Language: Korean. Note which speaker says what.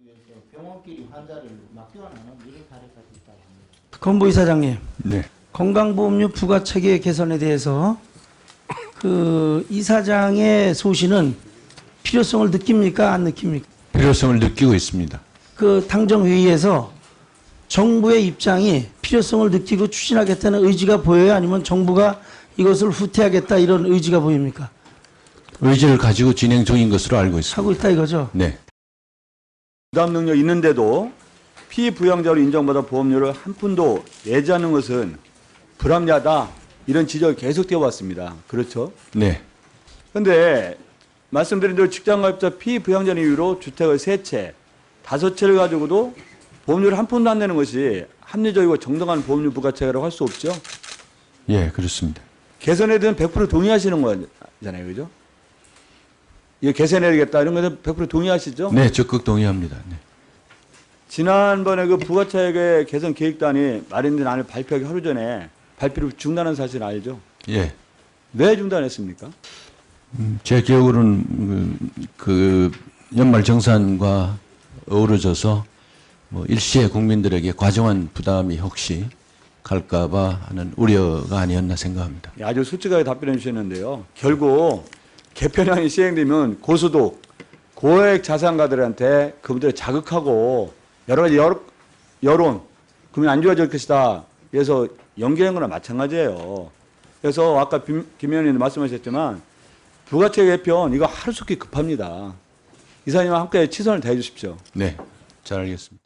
Speaker 1: 병원끼리 환자를 맡겨나는 이런 사례까지 있다고 합니다.
Speaker 2: 권보 이사장님,
Speaker 3: 네.
Speaker 2: 건강보험료 부과 체계 개선에 대해서 그 이사장의 소신은 필요성을 느낍니까? 안 느낍니까?
Speaker 3: 필요성을 느끼고 있습니다.
Speaker 2: 그 당정회의에서 정부의 입장이 필요성을 느끼고 추진하겠다는 의지가 보여요? 아니면 정부가 이것을 후퇴하겠다 이런 의지가 보입니까?
Speaker 3: 의지를 가지고 진행 중인 것으로 알고 있습니다.
Speaker 2: 하고 있다 이거죠?
Speaker 3: 네.
Speaker 4: 부담 능력 있는데도 피부양자로 인정받아 보험료를 한 푼도 내지 않는 것은 불합리하다. 이런 지적이 계속되어 왔습니다. 그렇죠?
Speaker 3: 네.
Speaker 4: 그런데 말씀드린 대로 직장가입자 피부양자 이유로 주택을 3채, 5채를 가지고도 보험료를 한 푼도 안 내는 것이 합리적이고 정당한 보험료 부과체계라고 할 수 없죠.
Speaker 3: 예, 그렇습니다.
Speaker 4: 개선에 대한 100% 동의하시는 거잖아요. 그죠? 이거 개선해야겠다 이런 거에 100% 동의하시죠?
Speaker 3: 네, 적극 동의합니다. 네.
Speaker 4: 지난번에 그 부가차액의 개선 계획단이 마련된 안을 발표하기 하루 전에 발표를 중단한 사실 알죠?
Speaker 3: 예.
Speaker 4: 왜 중단했습니까?
Speaker 3: 제 기억으로는 그 연말 정산과 어우러져서 뭐 일시에 국민들에게 과정한 부담이 혹시 갈까봐 하는 우려가 아니었나 생각합니다.
Speaker 4: 아주 솔직하게 답변해 주셨는데요. 결국 개편안이 시행되면 고소득, 고액 자산가들한테 그분들을 자극하고 여러 가지 여론, 그러면 안 좋아질 것이다. 그래서 연기한 거나 마찬가지예요. 그래서 아까 김 의원님 말씀하셨지만 부가채 개편 이거 하루속히 급합니다. 이사님과 함께 최선을 다해 주십시오.
Speaker 3: 네, 잘 알겠습니다.